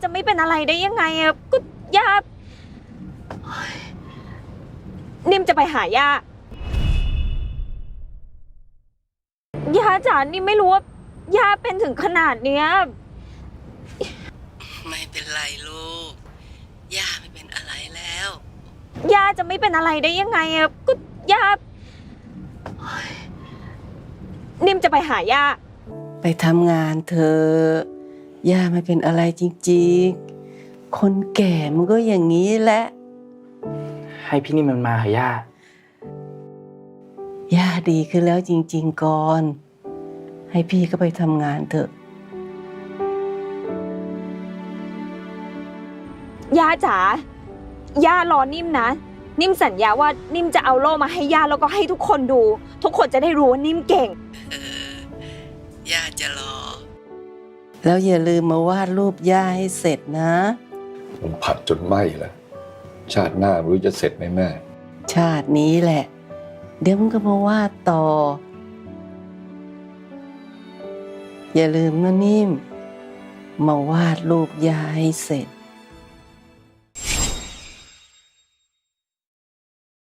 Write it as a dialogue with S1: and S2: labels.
S1: จะไม่เป็นอะไรได้ยังไงอะก็ย่านิ่มจะไปหาย่าจ๋านิ่มไม่รู้ว่าย่าเป็นถึงขนาดเนี้ย
S2: ไม่เป็นไรลูกย่าไม่เป็นอะไรแล้ว
S1: ย่าจะไม่เป็นอะไรได้ยังไงอะก็ย่านิ่มจะไปหาย่า
S2: ไปทำงานเธอย่าไม่เป็นอะไรจริงๆคนแก่มันก็อย่างนี้แหละ
S3: ให้พี่นิ่มมันมาเหรอย่า
S2: ย่าดีขึ้นแล้วจริงๆก่อนให้พี่ก็ไปทำงานเถอะ
S1: ย่าจ๋าย่ารอนิ่มนะนิ่มสัญญาว่านิ่มจะเอาโล่มาให้ย่าแล้วก็ให้ทุกคนดูทุกคนจะได้รู้ว่านิ่มเก่ง
S2: ย่าจะรอแล้วอย่าลืมมาวาดรูปย่าให้เสร็จนะ
S4: ผมผัดจนไหม้แล้วชาติหน้าไม่รู้จะเสร็จไหมแม่
S2: ชาตินี้แหละเดี๋ยวมึงก็มาวาดต่ออย่าลืมนะนิ่มมาวาดรูปย่าให้เสร็จ